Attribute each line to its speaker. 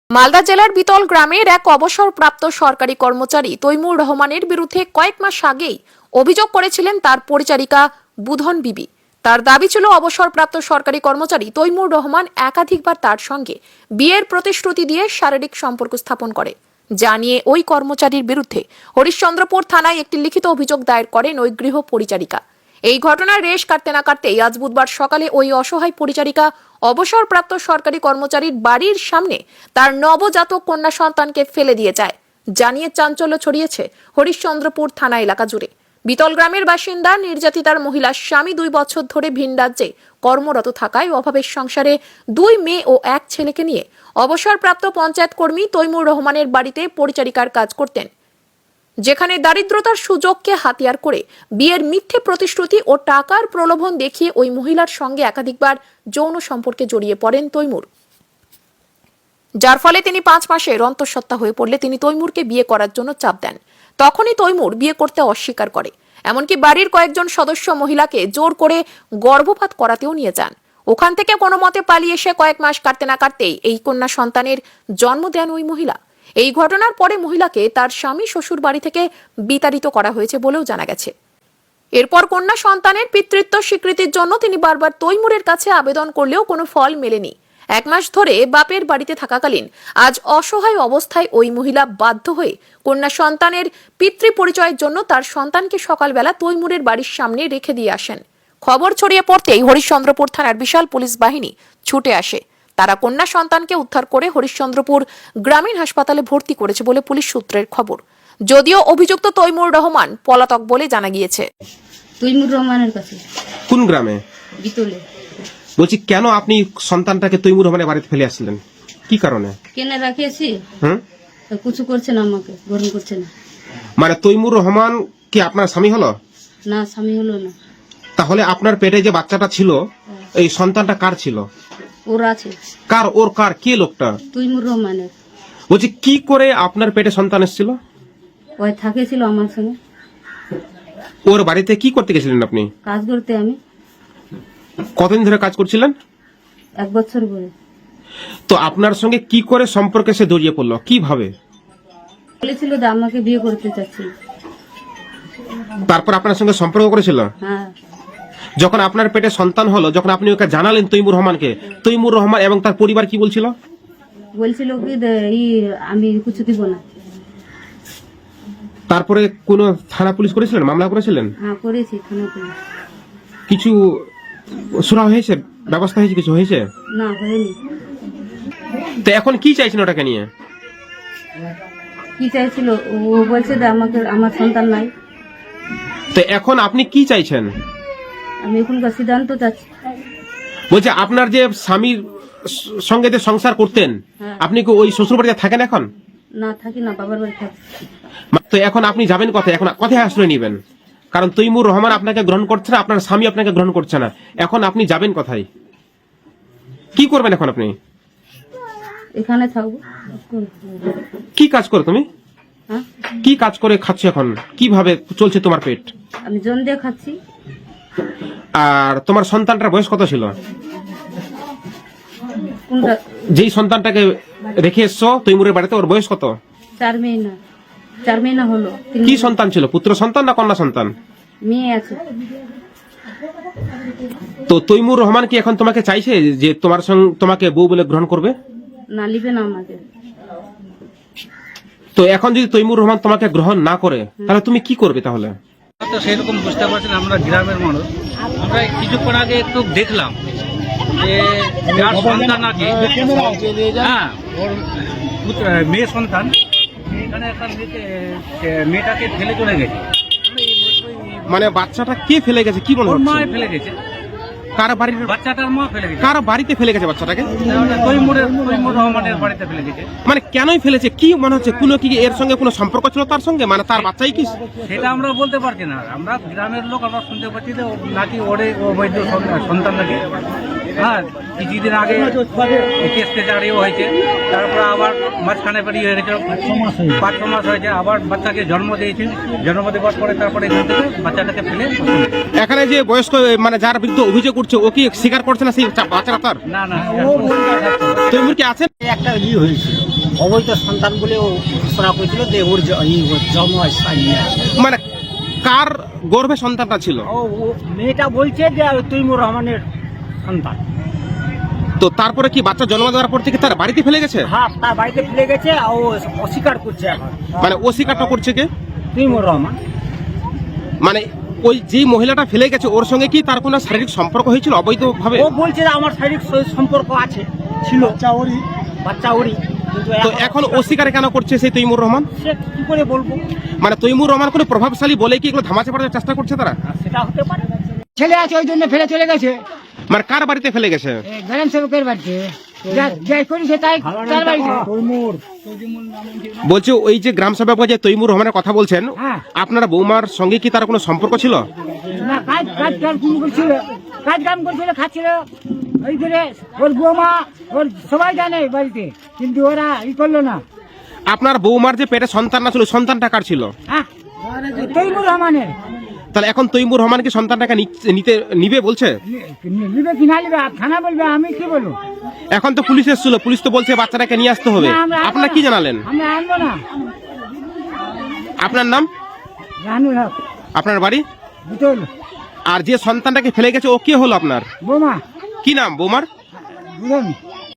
Speaker 1: মালদা জেলার বিতল গ্রামের এক অবসরপ্রাপ্ত সরকারি কর্মচারী তৈমুর রহমানের বিরুদ্ধে কয়েক মাস আগেই অভিযোগ করেছিলেন তার পরিচারিকা বুধন বিবি। তার দাবি ছিল অবসরপ্রাপ্ত সরকারি কর্মচারী তৈমুর রহমান একাধিকবার তার সঙ্গে বিয়ের প্রতিশ্রুতি দিয়ে শারীরিক সম্পর্ক স্থাপন করে। যা নিয়ে ওই কর্মচারীর বিরুদ্ধে হরিশ্চন্দ্রপুর থানায় একটি লিখিত অভিযোগ দায়ের করেন ওই গৃহ পরিচারিকা। এই ঘটনার রেশ কাটতে না কাটতেই আজ বুধবার সকালে ওই অসহায় পরিচারিকা অবসরপ্রাপ্ত সরকারি কর্মচারীর বাড়ির সামনে তার নবজাতক কন্যা সন্তানকে ফেলে দিয়ে যায়। জানিয়ে চাঞ্চল্য ছড়িয়েছে হরিশ্চন্দ্রপুর থানা এলাকা জুড়ে। বিতল গ্রামের বাসিন্দা নির্যাতিতার মহিলার স্বামী 2 বছর ধরে ভিন রাজ্যে কর্মরত থাকায় অভাবের সংসারে 2 মেয়ে ও 1 ছেলেকে নিয়ে অবসরপ্রাপ্ত পঞ্চায়েত কর্মী তৈমুর রহমানের বাড়িতে পরিচারিকার কাজ করতেন, যেখানে দারিদ্রতার সুযোগকে হাতিয়ার করে বিয়ের মিথ্যে প্রতিশ্রুতি ও টাকার প্রলোভন দেখিয়ে ওই মহিলার সঙ্গে একাধিকবার যৌন সম্পর্কে জড়িয়ে পড়েন তৈমুর। যার ফলে তিনি 5 মাসের অন্তঃসত্ত্বা হয়ে পড়লে তিনি তৈমুরকে বিয়ে করার জন্য চাপ দেন। তখনই তৈমুর বিয়ে করতে অস্বীকার করে, এমনকি বাড়ির কয়েকজন সদস্য মহিলাকে জোর করে গর্ভপাত করাতেও নিয়ে যান। ওখান থেকে কোনো মতে পালিয়ে এসে কয়েক মাস কাটতে না কাটতেই এই কন্যা সন্তানের জন্ম দেন ওই মহিলা। এই ঘটনার পরে মহিলাকে তার স্বামী শ্বশুর বাড়ি থেকে বিতাড়িত করা হয়েছে বলেও জানা গেছে। এরপর কন্যা সন্তানের পিতৃত্ব স্বীকৃতির জন্য তিনি বারবার তৈমুরের কাছে আবেদন করলেও কোনো ফল মেলেনি। 1 মাস ধরে বাপের বাড়িতে থাকাকালীন আজ অসহায় অবস্থায় ওই মহিলা বাধ্য হয়ে কন্যা সন্তানের পিতৃ পরিচয়ের জন্য তার সন্তানকে সকালবেলা তৈমুরের বাড়ির সামনে রেখে দিয়ে আসেন। খবর ছড়িয়ে পড়তেই হরিশ্চন্দ্রপুর থানার বিশাল পুলিশ বাহিনী ছুটে আসে। তারা কন্যা সন্তানকে উদ্ধার করে হরিশ্চন্দ্রপুর গ্রামীণ হাসপাতালে ভর্তি করেছে বলে পুলিশ সূত্রের খবর। যদিও অভিযুক্ত তৈমুর রহমান পলাতক বলে জানা গিয়েছে।
Speaker 2: তৈমুর রহমানের কাছে।
Speaker 3: কোন গ্রামে?
Speaker 2: বিতলে।
Speaker 3: বলছি, কেন আপনি সন্তানটাকে তৈমুর রহমানের বাড়িতে ফেলে আসছিলেন? কি কারণে?
Speaker 2: কেন রাখিয়েছি? কিছু করছে না, আমাকে গ্রহণ করছে না।
Speaker 3: মানে তৈমুর রহমান কি আপনার স্বামী হলো?
Speaker 2: না, স্বামী হলো না।
Speaker 3: তাহলে আপনার পেটে যে বাচ্চাটা ছিল, এই সন্তানটা কার ছিল?
Speaker 2: ওর আছে।
Speaker 3: কার? ওর কার? কে লোকটা?
Speaker 2: তৈমুর রহমানের।
Speaker 3: বলছি, কি করে আপনার পেটে সন্তান এসেছিল?
Speaker 2: ওই থাকেছিল আমার সঙ্গে।
Speaker 3: ওর বাড়িতে কি করতে গেছিলেন আপনি?
Speaker 2: কাজ করতে। আমি
Speaker 3: কতদিন ধরে কাজ করছিলেন?
Speaker 2: 1 বছর ধরে।
Speaker 3: তো আপনার সঙ্গে কি করে সম্পর্কে সে জড়িয়ে পড়লো? কিভাবে?
Speaker 2: বলেছিল যে আমাকে বিয়ে করতে চাচ্ছিল।
Speaker 3: তারপর আপনার সঙ্গে সম্পর্ক করেছিল?
Speaker 2: হ্যাঁ।
Speaker 3: যখন আপনার পেটে সন্তান হলো, যখন আপনি ওকে জানালেন তৈমুর রহমানকে, তৈমুর রহমান এবং তার পরিবার কি বলছিল?
Speaker 2: বলছিল কি আমি কিছু দিব না।
Speaker 3: তারপরে কোন থানা পুলিশ করেছিলেন? মামলা করেছিলেন?
Speaker 2: হ্যাঁ, করেছি থানা পুলিশ।
Speaker 3: কিছু শোনা হয়েছে? ব্যবস্থা হয়েছে? কিছু হয়েছে?
Speaker 2: না, হয়নি।
Speaker 3: তো এখন কি চাইছেন ওটাকে নিয়ে?
Speaker 2: কি চাইছিল? ও বলছে যে আমার সন্তান নাই।
Speaker 3: তো এখন আপনি কি চাইছেন?
Speaker 2: আমি এখনকার সিদ্ধান্ত চাচ্ছি।
Speaker 3: বলছে, আপনার যে স্বামীর সঙ্গে যে সংসার করতেন, আপনি কি ওই শ্বশুর বাড়িতে থাকেন এখন?
Speaker 2: না, থাকি না, বাবার বাড়ি থাকি।
Speaker 3: তো এখন আপনি যাবেন কোথায়? এখন কোথায় আশ্রয় নেবেন? কারণ তৈমুর রহমান আপনাকে গ্রহণ করছে না, আপনার স্বামী আপনাকে গ্রহণ করছে না। এখন আপনি যাবেন কোথায়? কি করবেন এখন আপনি?
Speaker 2: এখানে থাকবো।
Speaker 3: কি কাজ করো তুমি?
Speaker 2: হ্যাঁ,
Speaker 3: কি কাজ করে খাচ্ছ এখন? কিভাবে চলছে তোমার পেট?
Speaker 2: আমি জন দিয়ে খাচ্ছি।
Speaker 3: আর তোমার সন্তানটার বয়স কত ছিল?
Speaker 2: কোনটা?
Speaker 3: যেই সন্তানটাকে রেখে এসছো তৈমুরের বাড়িতে, ওর বয়স কত?
Speaker 2: 4 মহিনা। 4 মহিনা হলো।
Speaker 3: কি সন্তান ছিল? পুত্র সন্তান না কন্যা সন্তান?
Speaker 2: মেয়ে আছে।
Speaker 3: তো তৈমুর রহমান কি এখন তোমাকে চাইছে যে তোমার সঙ্গে তোমাকে বউ বলে গ্রহণ করবে?
Speaker 2: না, লিবে না আমাকে।
Speaker 3: তো এখন যদি তৈমুর রহমান তোমাকে গ্রহণ না করে, তাহলে তুমি কি করবে তাহলে?
Speaker 4: তো সেরকম বুঝতে পারছেন, আমরা গ্রামের মানুষ। আমরা কিছুক্ষণ আগে একটু দেখলাম যে যার সন্তান আছে, হ্যাঁ, ওর মেয়ে সন্তান এখানে একটা মেয়েটাকে ফেলে চলে গেছে।
Speaker 3: মানে বাচ্চাটা কে ফেলে গেছে? কি মনে
Speaker 4: ওর মা
Speaker 3: হচ্ছে?
Speaker 4: ফেলে গেছে।
Speaker 3: কার বাড়ির?
Speaker 4: বাচ্চাটার মা ফেলে গেছে।
Speaker 3: কার বাড়িতে ফেলে গেছে বাচ্চাটাকে?
Speaker 4: তৈমুর রহমানের বাড়িতে ফেলে গেছে।
Speaker 3: মানে কেনই ফেলেছে? কি মনে হচ্ছে? কোনো কি এর সঙ্গে কোনো সম্পর্ক ছিল তার সঙ্গে? মানে তার বাচ্চাই কি?
Speaker 4: সেটা আমরা বলতে পারছি না। আমরা গ্রামের লোক, আমরা শুনতে পাচ্ছি যে নাকি ওরে অবৈধ সন্তান নাকি। হ্যাঁ, কিছুদিন আগে কেসটা জারিও হয়েছে। তারপর আবার মাঝখানে বেরিয়ে হয়ে গেছে, 5-6 মাস হয়েছে। আবার বাচ্চাকে জন্ম দিয়েছে। জন্ম দেওয়ার পরে তারপরে এখান থেকে বাচ্চাটাকে ফেলে।
Speaker 3: এখানে যে বয়স্ক, মানে যার বিরুদ্ধে অভিযোগ করছে, ও কি স্বীকার করছে না সেই বাচ্চাটা তার?
Speaker 4: না,
Speaker 3: তৈমুর কি আছেন?
Speaker 5: একটা হয়েছিল অবৈধ সন্তান বলে ও ঘোষণা করেছিল যে ওর জন্ম নিয়ে আসে।
Speaker 3: মানে কার গর্ভে সন্তানটা ছিল?
Speaker 5: ও মেয়েটা বলছে যে তৈমুর রহমানের সন্তান।
Speaker 3: তো তারপরে কি বাচ্চা জন্ম দেওয়ার পর থেকে তার বাড়িতে ফেলে গেছে?
Speaker 5: হ্যাঁ, তার বাড়িতে ফেলে গেছে, ও অস্বীকার করছে এখন।
Speaker 3: মানে অস্বীকারটা করছে কে?
Speaker 5: তৈমুর রহমান।
Speaker 3: মানে ওই যে মহিলাটা ফেলে গেছে ওর সঙ্গে কি তার কোনো শারীরিক সম্পর্ক হয়েছিল অবৈধ ভাবে?
Speaker 5: ও বলছে যে আমার শারীরিক সম্পর্ক আছে, ছিল বাচ্চা ওরই, কিন্তু
Speaker 3: তো এখন অস্বীকার কেন করছে সেই তৈমুর রহমান?
Speaker 5: সে কি করে বলবো?
Speaker 3: মানে তৈমুর রহমান কোনো প্রভাবশালী বলে কি এগুলো ধামাচা পড়ার চেষ্টা করছে তারা?
Speaker 5: সেটা হতে পারে।
Speaker 6: ছেলে আছে ওই জন্য ফেলে চলে গেছে
Speaker 3: মানে কার বাড়িতে ফেলে গেছে?
Speaker 6: গ্রাম সেবকের বাড়িতে, যাই করেছে তাই তার বাড়িতে।
Speaker 3: বলছে ওই যে গ্রাম সেবক যে তৈমুর রহমানের কথা বলছেন,
Speaker 6: হ্যাঁ।
Speaker 3: আপনার বৌমার সঙ্গে কি তার কোনো সম্পর্ক ছিল?
Speaker 6: না, কাজ কাজ কাজ করছিল, কাজ কাম করছিল, খাচ্ছিল ওই করে। ওর বৌমা ওর সবাই জানে বাড়িতে, কিন্তু ওরা করলো না।
Speaker 3: আপনার বৌমার যে পেটে সন্তান না ছিল সন্তানটা কার ছিল?
Speaker 6: হ্যাঁ, তৈমুর রহমানের।
Speaker 3: তাহলে এখন তৈমুর রহমান কি সন্তানটাকে নিবে বলছে?
Speaker 6: নিবে কি না নিবে থানা বলবে, আমি কি বলবো?
Speaker 3: এখন তো পুলিশ এসেছিল, পুলিশ তো বলছে বাচ্চাটাকে নিয়ে আসতে হবে।
Speaker 6: না, আমরা আনবো
Speaker 3: আপনারা
Speaker 6: না।
Speaker 3: কি জানালেন?
Speaker 6: আমরা আনবো না।
Speaker 3: আপনার নাম?
Speaker 6: রানুর হক,
Speaker 3: আপনার বাড়ি?
Speaker 6: বুতল,
Speaker 3: আর যে সন্তানটাকে ফেলে গেছে ও কে হলো আপনার?
Speaker 6: বৌমা,
Speaker 3: কি নাম বৌমার?
Speaker 6: বুঝলি?